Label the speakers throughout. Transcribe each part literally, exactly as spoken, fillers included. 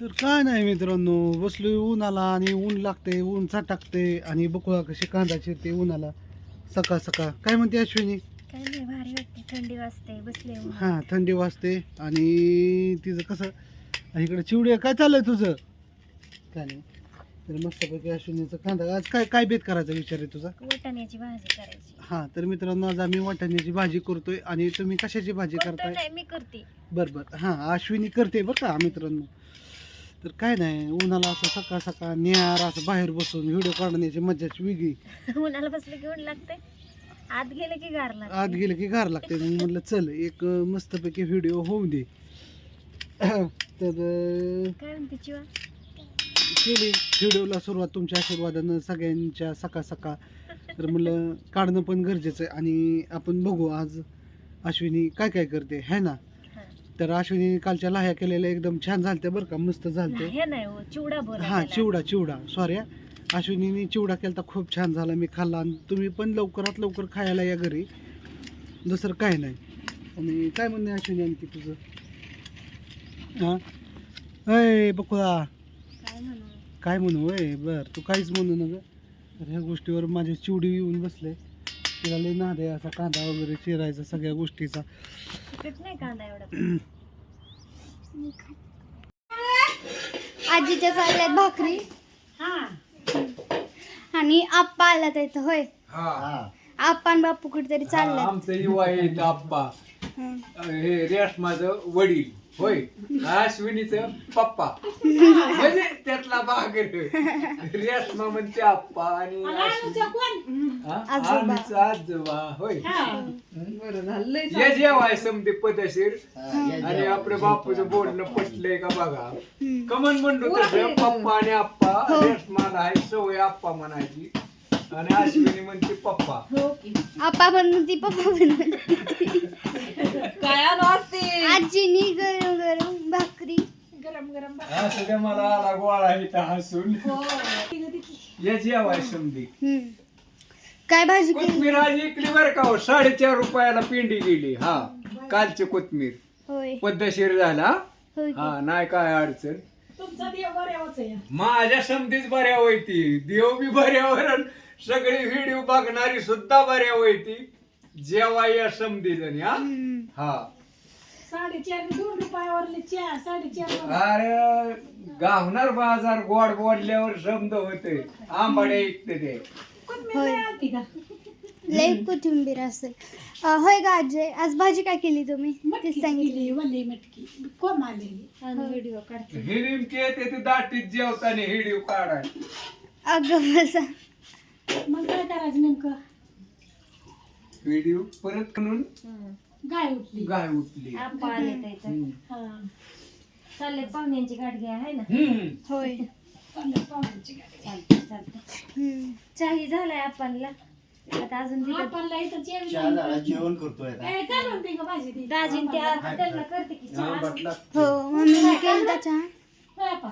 Speaker 1: तर काय नाही मित्रांनो, बसलोय उन्हाला आणि ऊन लागते, ऊन टाकते आणि बकुळा कशी कांदा चिरते उन्हाला सकाळ सकाळ. काय म्हणते अश्विनी?
Speaker 2: काय नाही, भारी वाटते, थंडी वाजते, बसले उन्हात.
Speaker 1: हां, थंडी वाजते आणि तिचं कसं इकडे चिवडे. काय चाललंय तुझं? काय नाही. तर मस्तपैकी अश्विनीचं कांदा. आज काय काय बेत करायचा विचार आहे तुझा?
Speaker 2: वाटाण्याची भाजी करायची.
Speaker 1: हां, तर मित्रांनो आज आम्ही वाटाण्याची भाजी करतोय. आणि तुम्ही कशाची भाजी
Speaker 2: कोणतं
Speaker 1: करताय?
Speaker 2: नाही, मी करते.
Speaker 1: बरं बरं, हां अश्विनी करते बरं का मित्रांनो. तर काय नाही, उन्हाला असं सकाळ सकाळ निहार असं बाहेर बसून व्हिडिओ काढण्याची मजाच वेगळी.
Speaker 2: उन्हाला बसले की ऊन लागते, आत गेले की गार लागते.
Speaker 1: आत गेलं की गार लागते. मग म्हटलं चल एक अं, मस्तपैकी व्हिडिओ होऊ दे. तर अं,
Speaker 2: काय म्हणते चिवा?
Speaker 1: केली व्हिडिओला सुरुवात तुमच्या आशीर्वादानं सगळ्यांच्या सकाळ सकाळ. तर म्हणलं काढणं पण गरजेचं आहे आणि आपण बघू आज अश्विनी काय काय करते है ना.
Speaker 2: हा.
Speaker 1: तर अश्विनी कालच्या लाह्या केलेल्या एकदम छान झालत्या बरं का, मस्त झालते.
Speaker 2: हे नाही हो, चिवडा बोला
Speaker 1: हां
Speaker 2: त्याला.
Speaker 1: चिवडा चिवडा सॉरी, अश्विनीने चिवडा केला तर खूप छान झाला, मी खाल्ला. आणि तुम्ही पण लवकरात लवकर खायला या घरी, दुसरं काय नाही. आणि काय म्हणणे अश्विनी आणखी तुझं? हां अय बकुळा,
Speaker 2: काय म्हणू?
Speaker 1: काय म्हणू वय बर, तू काहीच म्हणू नका. तर ह्या गोष्टीवर माझे चिवडी येऊन बसले. तिला लई नाद आहे असा कांदा वगैरे चिरायचा सगळ्या गोष्टीचा.
Speaker 2: तिखट नाही कांदा एवढा.
Speaker 3: आजीच्या चालल्यात भाकरी
Speaker 2: हा,
Speaker 4: आणि आप्पा आला तर होय.
Speaker 5: हा
Speaker 4: आप्पा आणि बापू कुठेतरी चालल्यात.
Speaker 5: आमचं युवा येत आप्पा,
Speaker 4: हं.
Speaker 5: हे रेशमाचं वडील होय, अश्विनीचं पप्पा, म्हणजे त्यातला भाग आहे. रेशमा म्हणते आप्पा आणि
Speaker 4: आजोबा.
Speaker 5: आमचं आजोबा होय. ये जेवाय समते पदशीर. आणि आपल्या बापूचं बोलणं पटलंय का बघा.
Speaker 4: हं.
Speaker 5: कमन म्हणतो तसं पप्पा आणि आप्पा. रेशमाला आहे सवय आप्पा म्हणायची आणि अश्विनी म्हणते पप्पा.
Speaker 4: आप्पा पण म्हणती पप्पा पण म्हणती. आजीनी गरम गरम भाकरी.
Speaker 5: असं ते मला आला गोळा इथं हसून. ये जेवाय समधी.
Speaker 4: हं. काय भाजी केली?
Speaker 5: कोथमीर आज इकली बरं का हो, साडेचार रुपयाला पिंडी गेली. हा कालची कोथमीर
Speaker 4: होय
Speaker 5: पद्धतशीर झाला.
Speaker 4: होय.
Speaker 5: हा नाही काय अडचण. माझ्या समधीच बऱ्या होती, देव बी बऱ्यावर आणि सगळी व्हिडिओ बघणारी सुद्धा बऱ्या होती. जेव्हा या समधी जणी. हा
Speaker 4: हं.
Speaker 5: हा
Speaker 6: साडेचार दोन रुपयावरले चार साडेचार.
Speaker 5: अरे गावणार बाजार गोड बोलल्यावर समज होते. आंबाड्या ऐकते ते.
Speaker 4: होय.
Speaker 6: आलती का?
Speaker 4: लय कोथिंबीर असेल. अं, होय का आजी, आज भाजी काय केली तुम्ही?
Speaker 6: मटकी
Speaker 4: तेच सांगितली.
Speaker 6: केली, वल्ली मटकी कोण आलेली.
Speaker 2: आणि व्हिडिओ काढते.
Speaker 5: हे नेमके येते ते दाटीत जेवताना व्हिडिओ काढाय.
Speaker 4: अगं बसा.
Speaker 6: मग काय करायचं नेमकं?
Speaker 5: व्हिडिओ परत म्हणून
Speaker 2: हं.
Speaker 6: गाय उठली.
Speaker 5: गाय उठली.
Speaker 2: आप्पा आले तर इथं.
Speaker 5: हम्म.
Speaker 6: हा
Speaker 2: चालले पाहुण्यांची गाठ घ्या आहे ना.
Speaker 5: हम्म.
Speaker 4: होय.
Speaker 6: चाललं पाहुण्यांची गाडी.
Speaker 2: चालते चालते.
Speaker 4: हं.
Speaker 2: चाही झालाय आपणला. आता अजून तिथं
Speaker 6: आपणला इथं जेवण
Speaker 7: जेवण करतोय
Speaker 6: ए, काय म्हणते का भाजी ती?
Speaker 2: दाजीन त्या त्यांना करते की
Speaker 5: हा,
Speaker 2: चहा.
Speaker 5: बटला.
Speaker 4: हो मम्मीने केलं चहा.
Speaker 6: होय आपा.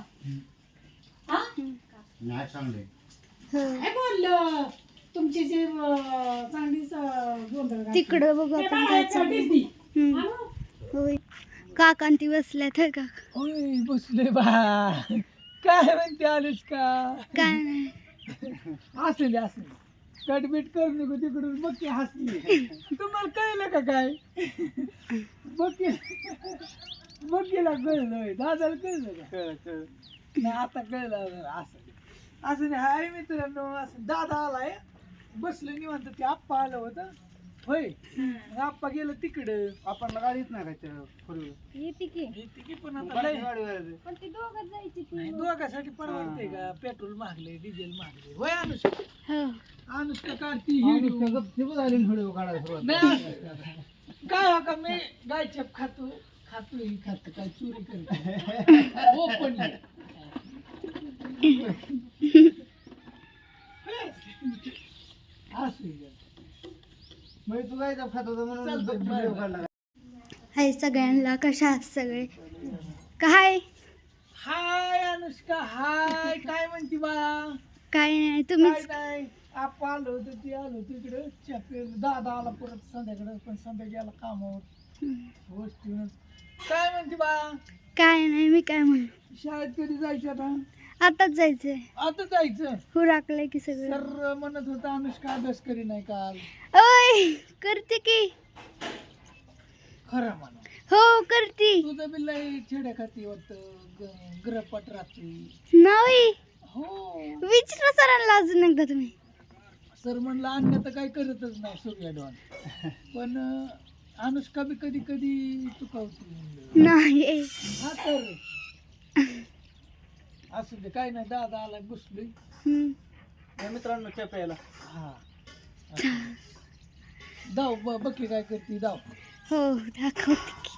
Speaker 6: हा
Speaker 7: नाही चांगले.
Speaker 4: हो
Speaker 6: काय बोललो तुमची जे अं, चांगलीच अं, गोंधळ घातली.
Speaker 4: तिकडं बघू
Speaker 6: ते
Speaker 4: आपण काय
Speaker 6: बाळाचं
Speaker 4: चाललंय.
Speaker 6: डिस्नी.
Speaker 4: हं.
Speaker 6: आणू?
Speaker 4: होय. काकांती बसल्यात होय का?
Speaker 8: होय बसले बा. काय म्हणते आलीस का?
Speaker 4: काय नाही.
Speaker 8: असले असले कटबीट कर नको तिकडून. बघ की हसली. तुम्हाला कळलं का काय? बघ की बघ केला कळलं होय. दादाला कळलं का?
Speaker 1: कळ कळ
Speaker 8: नाही आता कळलं असं असं नाही. हाय मित्रांनो, असं दादा आलाय बसलं निवांत. ते आप्पा आलं होतं होय. मग आप्पा गेलं तिकडं.
Speaker 1: आपण गाडीत नाही काय फोर
Speaker 2: येते की.
Speaker 8: येते की पण आता लय-
Speaker 1: व्हीलर.
Speaker 2: पण ती दोघं जायची ती.
Speaker 8: नाही, दोघांसाठी परवडते का? पेट्रोल महागले, डिझेल महागले. होय अनुष्का.
Speaker 4: हो.
Speaker 8: अनुष्का काढती
Speaker 1: व्हिडिओ काढायला सुरुवात.
Speaker 8: नाही असं. काय हो का मी गायचप खातो खातो ही खातो काय चोरी करतो ओपन.
Speaker 1: मग तू काय खात होता म्हणून व्हिडिओ काढला.
Speaker 4: हाय सगळ्यांना, कशा आहात सगळे? काय
Speaker 8: हाय अनुष्का हाय. काय म्हणती बा?
Speaker 4: काय नाही,
Speaker 8: काय
Speaker 4: तुम्हीच.
Speaker 8: नाही. आपण आलो होतो ती आलो होतो इकडे चहा. दादा आला परत संध्याकडे, पण संध्या गेला कामावर
Speaker 4: हं.
Speaker 8: गोष्टी. काय म्हणती बा?
Speaker 4: काय नाही, मी काय म्हणू.
Speaker 8: शाळेत कधी जायचं आता?
Speaker 4: आताच जायचंय.
Speaker 8: आता जायचं.
Speaker 4: हो राखलंय की सगळं.
Speaker 8: सर म्हणत होता अनुष्का अभ्यास करी नाही काल.
Speaker 4: ओय करते की.
Speaker 8: खरं म्हणा.
Speaker 4: हो करते.
Speaker 8: तुझं बी लय छेड्या खाती वाटतं, ग्रहपाठ राहते.
Speaker 4: नाही
Speaker 8: हो.
Speaker 4: विचारा सरांना अजून एकदा तुम्ही.
Speaker 8: सर म्हणलं अन्य तर काही करतच नाही सूर्या डॉन, पण अं, अनुष्का बी कधी कधी चुकावती म्हणलं.
Speaker 4: नाही.
Speaker 8: हा तर असू दे, काय नाही, दादा आला बसलोय.
Speaker 4: हम्म.
Speaker 1: मित्रांनो च्या प्यायला.
Speaker 8: हा दाव ब- बघ की काय करते दाव.
Speaker 4: हो दाखवते की.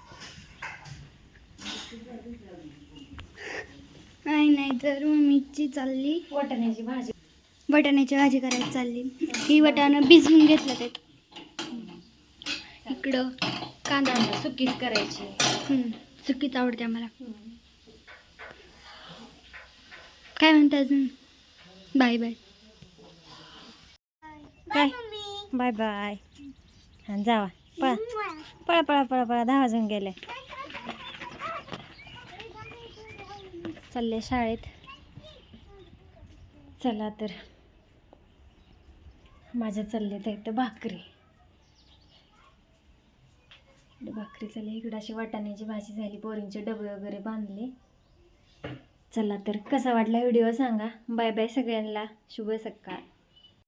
Speaker 4: नाही नाही तर मम्मीची चालली
Speaker 2: वाटाण्याची भाजी.
Speaker 4: वाटाण्याची भाजी करायची चालली. ही वाटाणं भिजवून घेतलं ते. इकडं कांदा
Speaker 2: सुकीच करायची.
Speaker 4: हम्म, सुकीच आवडते आम्हाला. काय म्हणते अजून? Bye bye.
Speaker 2: काय बाय बाय. हा जावा पळा पळा पळा पळा पळा दहा वाजून गेले. चालले शाळेत. चला तर माझ्या चालले तर इथं भाकरी भाकरी चालली. इकडं अशी वाटाण्याची भाजी झाली. पोरींचे डबे वगैरे बांधले. चला तर कसा वाटला व्हिडिओ सांगा. बाय बाय सगळ्यांना. शुभ सकाळ.